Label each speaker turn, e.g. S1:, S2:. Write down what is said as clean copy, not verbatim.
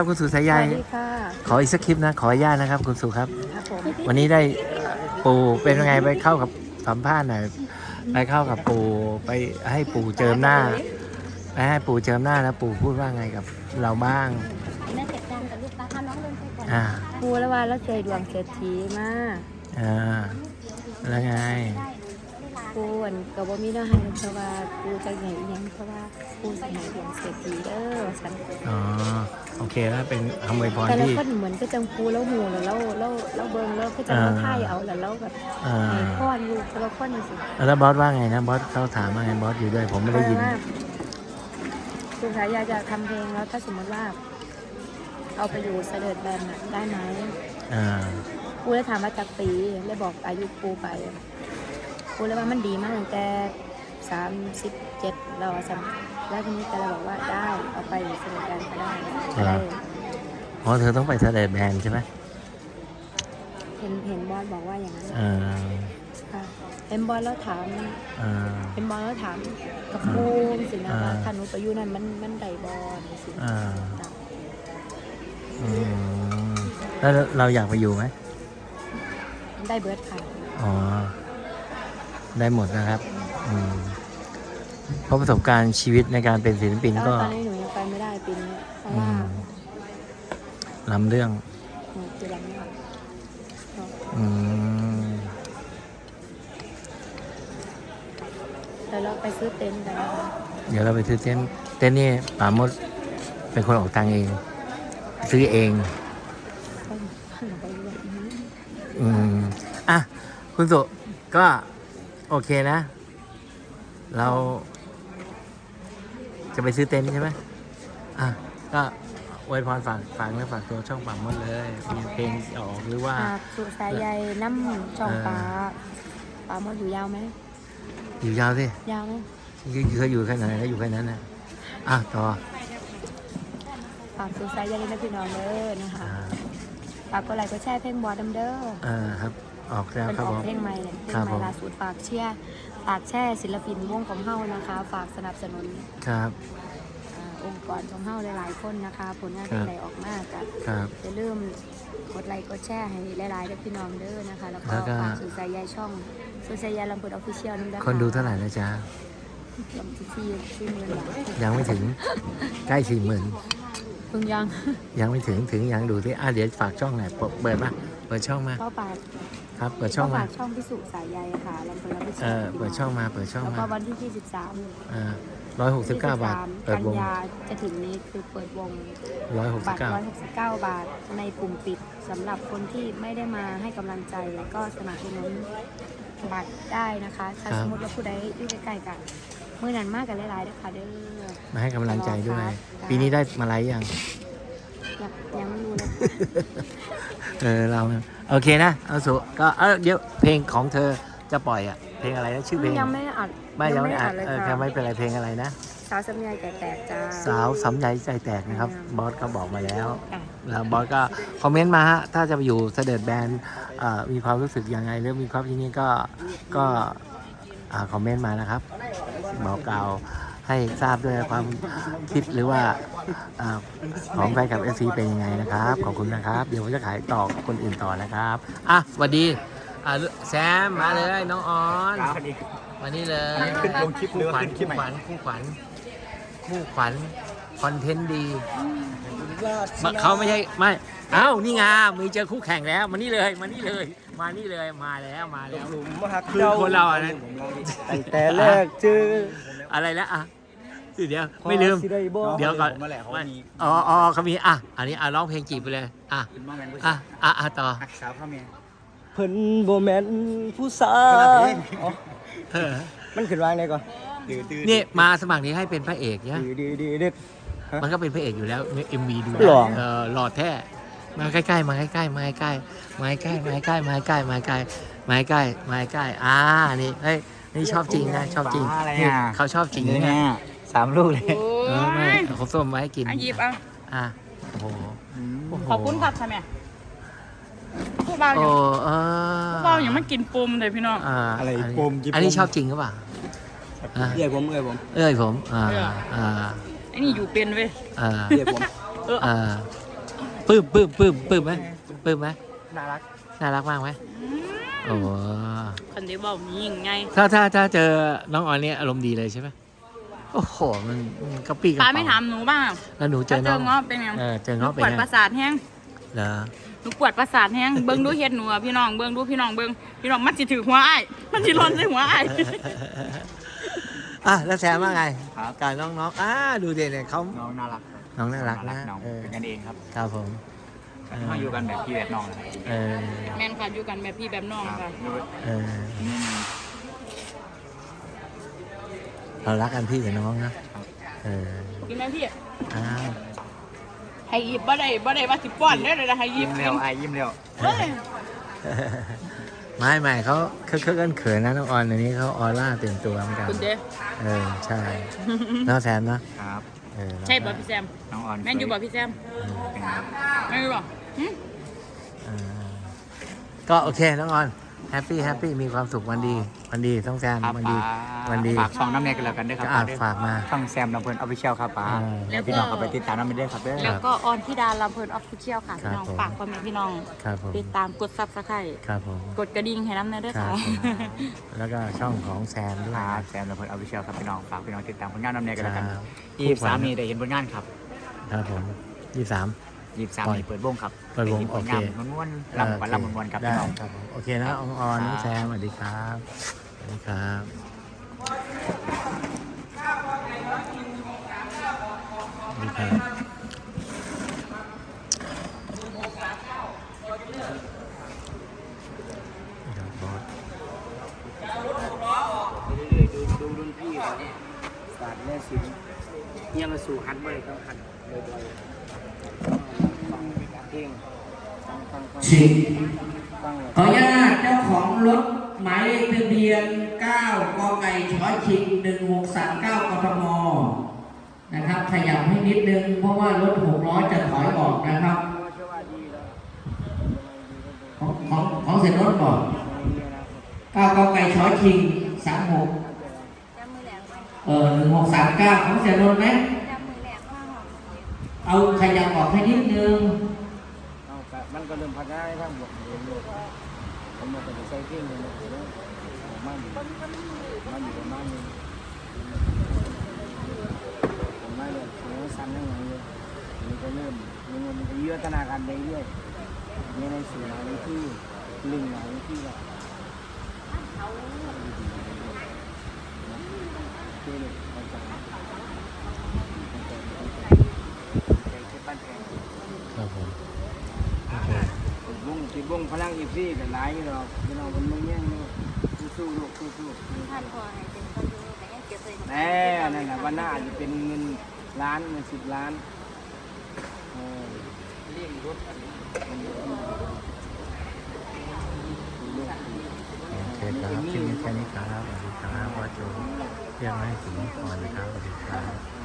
S1: คุณสุสายใย
S2: สวัสดีค่ะ
S1: ขออีกสักคลิปนะขออนุญาตนะครับคุณสุครับ
S2: ครับผม
S1: วันนี้ได้ปู่เป็นยังไงไปเข้ากับสัมภาษณ์หน่อยไปเข้ากับปู่ไปให้ปู่เจิมหน้าไปให้ปู่เจิมหน้าแล้วปู่พูดว่าไงกับเราบ้าง
S3: แม่เก็บจานกับลูกปลาน้องเดินไปก่อน
S1: อ่า
S2: ปูละวานแล้วเคยดวงเศรษฐีมา
S1: อ่าแล้วไง
S2: ปูอันกับว่ามีเนื้อให้เพราะว่าปูจะใหญ่อีหยังเพราะว่าปูจะใหญ่ดวงเศรษฐีเด้อฉัน
S1: อ๋อโอเคแล้วเป็นคำอวยพร
S2: แต่ละ
S1: ที่
S2: คนเหมือนก็จังปูแล้วหมูแล้วเบิ่งแล้วก็จะมาท่ายเอาแล้วแบบ
S1: อ่า
S2: ให้พ่อนลูกแต่ละคนนี่สิ
S1: แล้วบอสว่าไงนะบอสเขาถามว่าไงบอสอยู่ด้วยผมไม่ได้ยิน
S2: คุณสายยาจะทำเพลงแล้วถ้าสมมติว่า เอาไปอยู่เสด็จแบนน่ะได้ไหม
S1: อ่า
S2: ปูเลยถามว่าจากปีเลยบอกอายุปูไปปูเลยว่ามันดีมากตั้งแต่37เราสั่งแล้วทีนี้แต่เราบอกว่าได้เอาไปอยู่เสด็จแบนก็ได้ก็ได้
S1: อ๋อเธอต้องไปเสด็จแบนใช่ไหม
S2: เห็นบอสบอกว่าอย่างนั้น
S1: อ่า
S2: ค่ะเห็นบอสแล้วถาม
S1: อ่า
S2: เป็นบอลแล้วถามกับปูสินะว่าถ้าหนูไปอยู่นั่นมันได้บอลสิ
S1: อ่า อืมแล้วเราอยากไปอยู่ไหม
S2: ได้เบิร์ดค่ะ
S1: อ๋อ ได้หมดนะครับ อืมเพราะประสบการณ์ชีวิตในการเป็นศิลปิน
S2: แล้ว
S1: ก็
S2: ตอนนี้หนูยังไปไม่ได้ปีนี้เพราะ
S1: อื
S2: ว่าม
S1: ล้ำเรื่อง
S2: หนูจะยังไม่ออก
S1: อืม
S2: แต่เราไปซื้อเต็นท์กันนะคะ
S1: เดี๋ยวเราไปซื้อเต้นท์นี่ป่ามดเป็นคนออกตังค์เอง ซื้อเอง
S2: ก็หนูไปเรื่อย
S1: อืมอ่ะ คุณสุก็โอเคนะ เรา จะไปซื้อเต็นท์ใช่ไหมอ่ะ ก็อวยพรฝากเนื้อฝากตัวช่องป่ามดเลย มีเพลงออกหรือว่า
S2: หากสุสายใยน้ำช่องปลาปลาหมดอยู่ยาวไหม
S1: อยู่ยาวสิ
S2: ยาวไหม
S1: เคยอยู่แค่ไหนก็อยู่แค่นั้นนะอ่ะต่อ
S2: ฝากสุสายใยนะพี่น้องเด้อนะคะ
S1: อ่า
S2: ฝากกดไลค์กดแชร์เพลงบอดเด้อ
S1: ครับ ออกแล้ว
S2: เป็น
S1: ครับ
S2: ออ
S1: ผ
S2: ก
S1: ม
S2: เพลงใหม่เนี่ยเพลง
S1: ครับ
S2: ให
S1: ผ
S2: ม่
S1: ม
S2: ล่าสุดฝากเชียร์ฝากแช่ศิลปินวงของเฮานะคะ ฝากสนับสนุน
S1: ครับ
S2: องค์กรของเฮาหลายๆคนนะคะ ผลงาน
S1: ครับ
S2: เพลงใดออกมากับ
S1: ครับ
S2: อย่าลืมกดไลค์กดแชร์ให้หลายๆเด้อพี่น้องเด้อนะคะ แล้วก็
S1: แล้วก็
S2: ฝากสื่อสายใยช่องสื่อสายใยลำพูนออฟฟิเชียลนั่นด้วย
S1: คนดูเท่าไหร่แล้วจ๊ะ
S2: ลำที่หมื่นบาท
S1: ยังไม่ถึง ใกล้40,000
S2: เพิ่งยัง
S1: ยังไม่ถึงยังดูที่เดี๋ยวฝากช่องหน่อยเปิดมาเปิดช่องมา
S2: ก็ฝาก
S1: ครับ เปิดช่อง
S2: ก็
S1: มา
S2: ฝากช่องพิสุสายใยค่ะลำพูนออฟฟิเชียล
S1: เปิดช่องมา
S2: แล้วก็วันที่23
S1: 169 บาท เปิด
S2: กัน
S1: วง
S2: ยาจะถึงนี้คือเปิดวง บัตร
S1: 169
S2: 169 บาทในกลุ่มปิดสำหรับคนที่ไม่ได้มาให้กำลังใจก็สนับสนุนบัตรได้นะคะถ้า
S1: ครับ
S2: สมมติว่าผู้ใดอยู่ใกล้ๆกันเมื่อนั้นมากกันหลายๆนะคะเด้อ
S1: มาให้กำลังใจด้วย
S2: ครับ
S1: ปีนี้ได้มาไลฟ์ยัง
S2: ยังไม่รู้เลยค่ะ
S1: เราโอเคนะ เอาสุก็เดี๋ยวเพลงของเธอจะปล่อยอ่ะ เพลงอะไรนะชื่อเพลง
S2: ยังไม่อัด
S1: ยังไม่อัด
S2: เลย
S1: แค่
S2: ค่ะ
S1: ไม่เป็นไรเพลงอะไรนะ
S2: สาวสำเนียงแตกจ้า
S1: สาวสำใยใจแตกนะครับ บอสก็บอกมาแล้ว
S2: อ่ะ
S1: แล้วบอสก็คอมเมนต์มาฮะ ถ้าจะไปอยู่เสด็จแบนมีความรู้สึกยังไงหรือมีความที่นี่ก็คอมเมนต์มานะครับ บอกกล่าวให้ทราบด้วยความคิดหรือว่าของแฟนคลับ FC เป็นยังไงนะครับ ขอบคุณนะครับ เดี๋ยวผมจะขายต่อคนอื่นต่อนะครับอ่ะสวัสดีแซมมาเลยน้องออนมานี่เลย
S4: ขึ้นลงคลิปหรือว่าขึ้นคลิปใหม่
S1: คู่ขวัญคอนเทนต์ดีเขาไม่ใช่ไม่เอ้านี่ไงมีเจอคู่แข่งแล้วมานี่เลยมาแล้ว
S4: หลุมฮัก
S1: คือคนเราอ่ะนะ
S4: ตั้งแต่แรกเจอ
S1: อะไรแล้วอ่ะเดี๋ยวไม่ลืม
S4: สิได้บ่
S1: เดี๋ยวก่อน
S4: ผมมาแหละเขามี
S1: อ๋อเขามีอันนี้ร้องเพลงจีบไปเลย
S4: เป็นมาแมนผู้
S1: ต่อ
S4: ฮักสาวข้าเมีย
S5: เพิ่นบ่แม่นผู้สา
S4: คนละ
S5: ว
S4: เพลง
S1: เออ
S5: มันขึ้นวางได้ก่อน
S4: ตื้อ
S1: นี่มาสมัครนี้ให้เป็นพระเอกเนี่ย
S5: ดีเด็ด
S1: มันก็เป็นพระเอกอยู่แล้วใน MV ดู
S5: หล่อ
S1: หล่อแท้มาใกล้ๆมาใกล้ๆนี่เฮ้ยนี่ชอบจริงนะชอบจริงนี่เขาชอบจริง
S4: นี่
S1: นะ
S4: เนี่ย3 ลูกเลย
S1: ไม่เขาส้มมาให้กิน
S6: หยิบเอา
S1: โอ้โห
S6: ขอบคุณครับท่านแม่ผู้เบาอ
S1: โอ้
S6: ยู่
S1: เออ
S6: ผู้เบาอย่างไม่กินปุ่มเลยพี่น้อง
S4: อะไรโปมกิบ
S1: อันนี้ชอบจริงหรือเปล่า
S5: เอ้ยผม
S1: ผมไอ้นี่อยู่เป็นเว้ย
S5: เอ้ยผม
S1: เปลื้มไหม
S4: น่ารัก
S1: น่ารักมากไหมโอ้
S6: คนที่บอกยิงไง
S1: ถ้าเจอน้องออนเนี่ยอารมณ์ดีเลยใช่ไหมโอ้โหมันกระปี้กระ
S6: ป้า
S1: เป๋า
S6: ไม่ถามหนูบ้าง
S1: แล้วหนูเจ
S6: ถ้า
S1: อ
S6: เจ
S1: น้อ
S6: อง เงาะเป็นไง
S1: เจอ
S6: หนู
S1: เงาะ
S6: ป
S1: เป็น
S6: วด
S1: ไง
S6: ประสาทแห้ง
S1: เหรอ
S6: หนูปวดประสาทแห้งเบิ้งดูเฮ็ดหนูอะพี่น้องเบิ้งดูพี่น้องเบิ้งพี่น้องมันสิถือหัวอ้ายมันสิร้อนใส่หัวอ้าย
S1: อ่ะแล้วแซมว่าไง
S4: ครับ
S1: กับน้องดูเด็เนี่ยเขา
S4: น้องน่ารัก
S1: น้องน่ารักนะ
S4: น้อง
S1: เออ
S4: เป็นกันเองครับ
S1: ครับผม
S4: มาอยู่กันแบบพี่แบบน้องเลย
S1: เออ
S6: แม่นค่ะอยู่กันแบบพี่แบบน้องค่ะ
S1: เออเรารักกันพี่กับน้องนะเออ
S6: กินไหมพี่
S1: อ้าว
S6: ให้หยิบบ่ได้ว่าสิป้อนได้เลยนะให้หยิ
S4: ยิ้
S6: บ
S4: มเร็วไอ้ยิ้มเร็ว
S6: เฮ้ย
S1: ไม่เขาเคอะเขินนะน้องออนอันนี้เขาออร่าเต็มตัวเหมือนกัน
S6: คุณเด้
S1: เออใช่น้องแซมเนาะ
S4: ครับ
S1: เออ
S6: ใช่บ่พี่แซม
S4: น้องออน
S6: แม่นอยู่บ่พี่แซม
S4: เป็นครับ
S6: แม่นอยู่บ่หึ
S1: เออก็โอเคน้องออนแฮปปี้มีความสุขวันดีต้องแซม
S4: ครับ
S1: วันดี
S4: ฝากช่องน้ำเนยกันแล้วกันด้วยครั
S1: ก็
S4: บ
S1: อ่านฝากมา
S4: ช่องแซมลำเพลินออฟฟิเชียลครับป้า
S1: แล้วก็
S4: พี่น้องก็ไปติดตามน้ำเนยด้วยครับเด้อ
S6: แล้วก็ออนที่ดาลำเพลินออฟฟิเชียลค่ะ
S1: ครับ
S6: พี่น้อง
S1: ผม
S6: ฝากพ่อแม่พี่น้อง
S1: ครับผม
S6: ติดตามกดซับสไครต์
S1: ครับผม
S6: กดกระดิ่งให้น้ำเนยด้วย
S1: ครั
S6: ค่ะ
S1: บผมแล้วก็ช่องของแซมด้วย
S4: ครับแซมลำเพลินออฟฟิเชียลครับพี่น้องฝากพี่น้องติดตามผลงานน้ำเนยกันแล้วกัน
S1: ครับ
S4: 23นี้ได้เห็นผลงานครับ
S1: ครับผม23
S4: 23นี้เปิดวงครับ
S1: เปิดวง
S4: ได้ห็นผลงาน
S1: โอเค
S4: ม้วนๆลำวันลำม้วนๆครับ
S1: ได้
S4: พี่น้อง
S1: ครับผมโอเคนะออนน้องแซมสวัสดีครับสวัสดีครับสวัสดีครับนี่ครับบอส
S5: ดูรุ่นพี่เขาศาสตร์แม่ศิลป์เนี่ยมาสู่ฮันบ่อยต้องฮันบ่อยๆฟังเพลงฟัง
S7: สิบ
S5: ฟัง
S7: ขออนุญาตเจ้าของรถหมายเลขทะเบียน 9 กไก่ชชิง 1639 กทม นะครับ ขยับให้นิดนึง เพราะว่ารถ6ล้อจะถอยออกนะครับ ของเสร็จรถบอก9 กไก่ชชิง 36
S2: จำมือแหลมไหม
S7: 1639 ของเสร็จรถไหม
S2: จำมือแหลมมากหรอ
S7: เอาขยับออกให้นิดนึง
S5: เอาแต่มันก็เริ่มพัฒนาให้ทางบวกเองเลยผมมันจะใช้เพลงเลยนะมันอยู่ประมาณนึงผมไม่เลยผมสั้นให้หน่อยเลยมันก็เริ่มมันก็เยอะธนาคารไปเรื่อยเนี่ยในสื่อหลายที่ลิงหลายที่ละเจ๊เลยเข้าใจบ้านแพง
S1: ครับผมโอเค
S5: ติดวงพลังอีซี่แต่หลายอยู่ดอกพี่น้องมันไม่แย่งเลยสู้ๆลูกสู้ๆ
S2: ท่านพอให้เป็นคนดูแต่ยังเก็บเลย
S5: แน่นั่นแหละวันหน้าอาจจะเป็นเงินล้านเงิน10 ล้านเรียกรถ
S1: โอเคครับคลิปนี้แค่นี้ครับสวัสดีครับว่าโจเรียกมาให้ถึงก่อนนะครับสวัสดีครับ